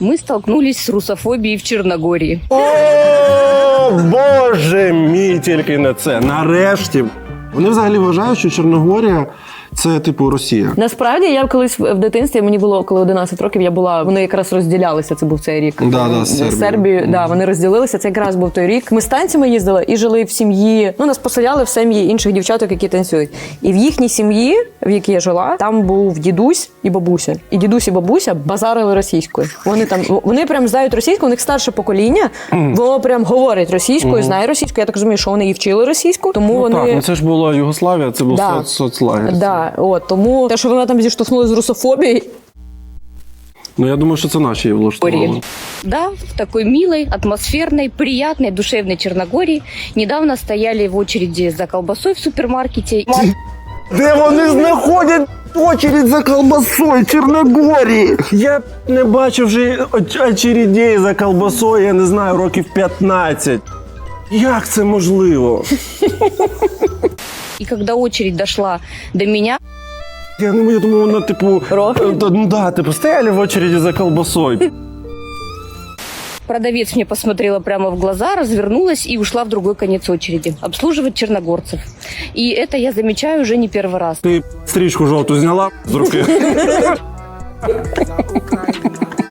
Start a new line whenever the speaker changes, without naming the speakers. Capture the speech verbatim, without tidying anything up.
Мы столкнулись с русофобией в Черногории.
О, Боже мій, тільки не це. Нарешті. Вони взагалі вважають, що Чорногорія – це, типу, Росія.
Насправді, я колись в дитинстві, мені було коли одинадцять років, я була, вони якраз розділялися, це був цей рік.
Да, да, з Сербією.
Сербію, да, вони розділилися, це якраз був той рік. Ми з танцями їздили і жили в сім'ї, ну, нас поселяли в сім'ї інших дівчаток, які танцюють. І в їхній сім'ї, в якій я жила, там був дідусь і бабуся. І дідусь і бабуся базарили російською. Вони там, вони прям знають російську, у них старше покоління, воно прям говорить російською, знає російську. Я так розумію, що вони і вчили російську, тому
Ну,
вони...
так, ну це ж була Югославія, це був
Да.
соц- соцлагер.
Да, от, тому те, що вона там зіштовхнулася з русофобією,
Ну, я думаю, що це наші її влаштували.
Да, в такой милой, атмосферной, приятной, душевной Черногории недавно стояли в очереди за колбасой в супермаркете.
Де вони знаходять очередь за колбасою в Чорногорії? Я не бачив вже оч- очередей за колбасою, я не знаю, років п'ятнадцять. Як це можливо?
И когда очередь дошла до меня,
Я, ну, я думаю, вона, типу...
Роки?
е, та- Ну, да, типу, стояли в очереді за колбасою.
продавец мне посмотрела прямо в глаза, развернулась и ушла в другой конец очереди обслуживать черногорцев. И это я замечаю уже не первый раз.
Ти стрічку жовту зняла з руки.